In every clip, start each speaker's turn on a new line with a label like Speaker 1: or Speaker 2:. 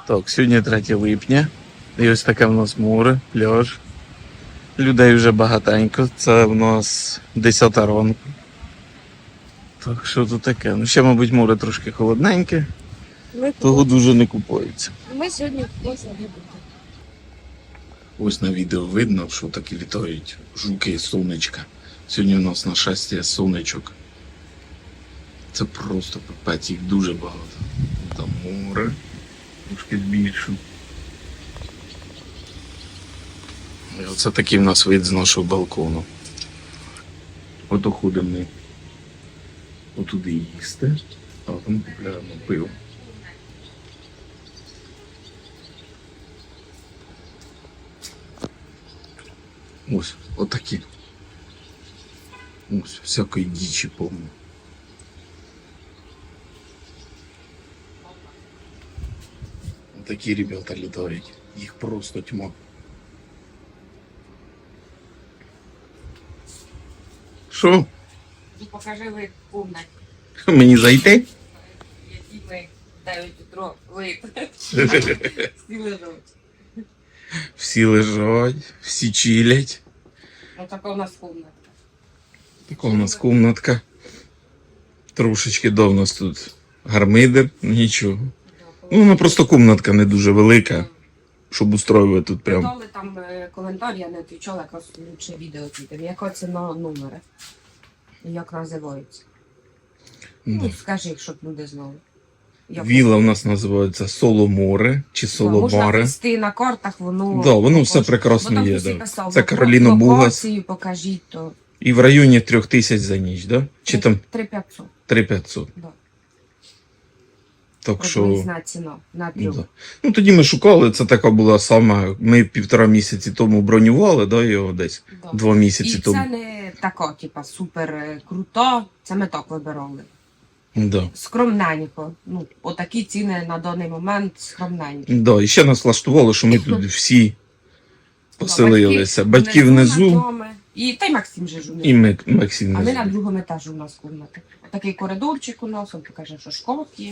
Speaker 1: Так, сьогодні 3 липня. І ось таке в нас море, пляж. Людей вже багатенько. Це в нас 10 ранку. Так, що тут таке? Ну ще, мабуть, море трошки холодненьке, того дуже не купується.
Speaker 2: Ми сьогодні купуємося не будемо.
Speaker 1: Ось на відео видно, що такі літають жуки і сонечка. Сьогодні у нас нашестя сонечок. Це просто пипець, їх дуже багато. Там море, трошки більше. І оце такий в нас вид з нашого балкону. Ото ходимо ми отуди їсти, а там купляємо пиво. Ось, отакі. Ось, всякої дічі повно. Такі ребята літають, їх просто тьма. Що?
Speaker 2: Покажи вид повний,
Speaker 1: Мені зайти?
Speaker 2: які ми 9 утро вид. Всі лежать.
Speaker 1: Всі лежать, всі чилять.
Speaker 2: Ось така у нас комната.
Speaker 1: Така у нас комнатка. Трошечки до нас тут гармидер, нічого. Ну, вона просто комнатка не дуже велика, щоб устроювати тут прям.
Speaker 2: Дали там коментар, я не відповідала, якраз лучше відео піде. Яка ціна номера? І як називається? Ну, скажи, щоб люди знали.
Speaker 1: Вілла у нас називається Соломоре чи
Speaker 2: Можна
Speaker 1: Соломаре.
Speaker 2: вести на картах, воно...
Speaker 1: Да, воно все прекрасно є. Да. Це Кароліно Бугас.
Speaker 2: Локацію покажіть, то...
Speaker 1: І в районі 3000 за ніч, да? Чи там
Speaker 2: 3500.
Speaker 1: 3500.
Speaker 2: Да.
Speaker 1: Так що...
Speaker 2: Приблизна ціна на трьох.
Speaker 1: Да. Ну тоді ми шукали, це така була сама. Ми 1,5 місяці тому бронювали, да, його десь
Speaker 2: Да.
Speaker 1: 2 місяці
Speaker 2: І
Speaker 1: тому.
Speaker 2: це не така, типа, супер крута, це ми так вибирали.
Speaker 1: Да.
Speaker 2: Скромненько. Ну, отакі ціни на даний момент скромненькі.
Speaker 1: Да. І ще нас влаштувало, що ми тут всі поселилися. Батьки внизу
Speaker 2: над нами. І та й Максим же ж у них.
Speaker 1: і Максим
Speaker 2: А ми на
Speaker 1: внизу.
Speaker 2: другому етажі у нас кімната. Такий коридорчик у нас, він покаже, що шкаф є.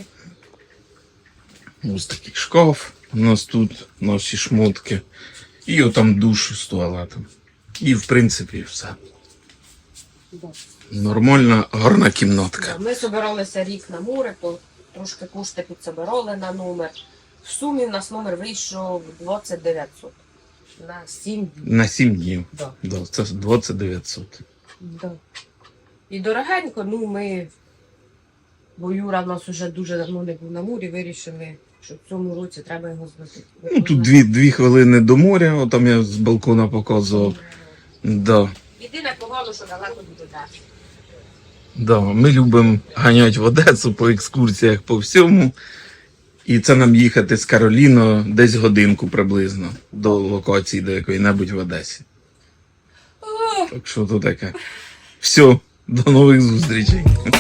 Speaker 1: Ось такий шкаф. У нас тут наші шмотки. І отам душ з туалетом. І в принципі все.
Speaker 2: Да.
Speaker 1: Нормальна, гарна кімнатка.
Speaker 2: Ми збиралися рік на море, трошки кошти підсобирали на номер. В сумі в нас номер вийшов 2900. На 7 днів.
Speaker 1: На 7 днів.
Speaker 2: Да.
Speaker 1: Да, це 2900.
Speaker 2: Да. І дорогенько, ну ми, бо Юра в нас вже дуже давно не був на морі, вирішили, що в цьому році треба його звозити.
Speaker 1: Ну, тут 2 хвилини до моря, отам я з балкона показував. Да.
Speaker 2: Єдине погано, що далеко буде далі.
Speaker 1: Да, ми любимо ганяти в Одесу по екскурсіях по всьому. І це нам їхати з Кароліно десь годинку приблизно до локації до якої-небудь в Одесі. Так що то таке. Все, до нових зустрічей.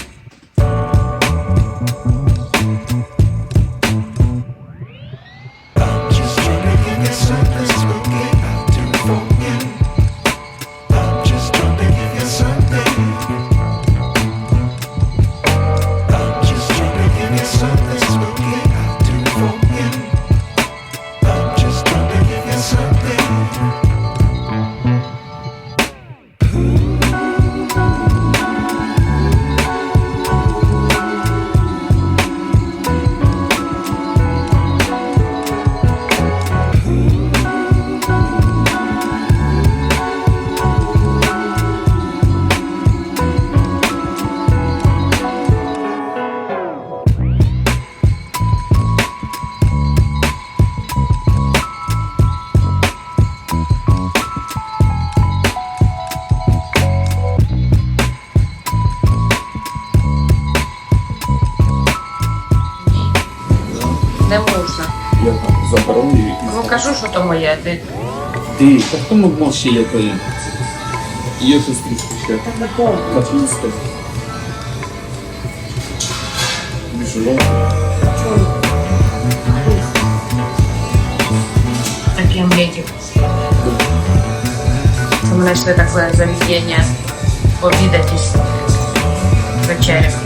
Speaker 3: Just trying to give you something spooky out to phone you. I'm just trying to give you something. I'm just trying to give you something spooky out to phone you. I'm just trying to give you something.
Speaker 2: Не можна.
Speaker 4: Я там забороню і
Speaker 2: Ну кажу, що то моє, ти.
Speaker 4: Ти, та хто мог ще якої? Є щось трішки ще. Капуста. Біжу.
Speaker 2: Такі омлетик. Це ми знайшли таке заведення обідатись вечеря.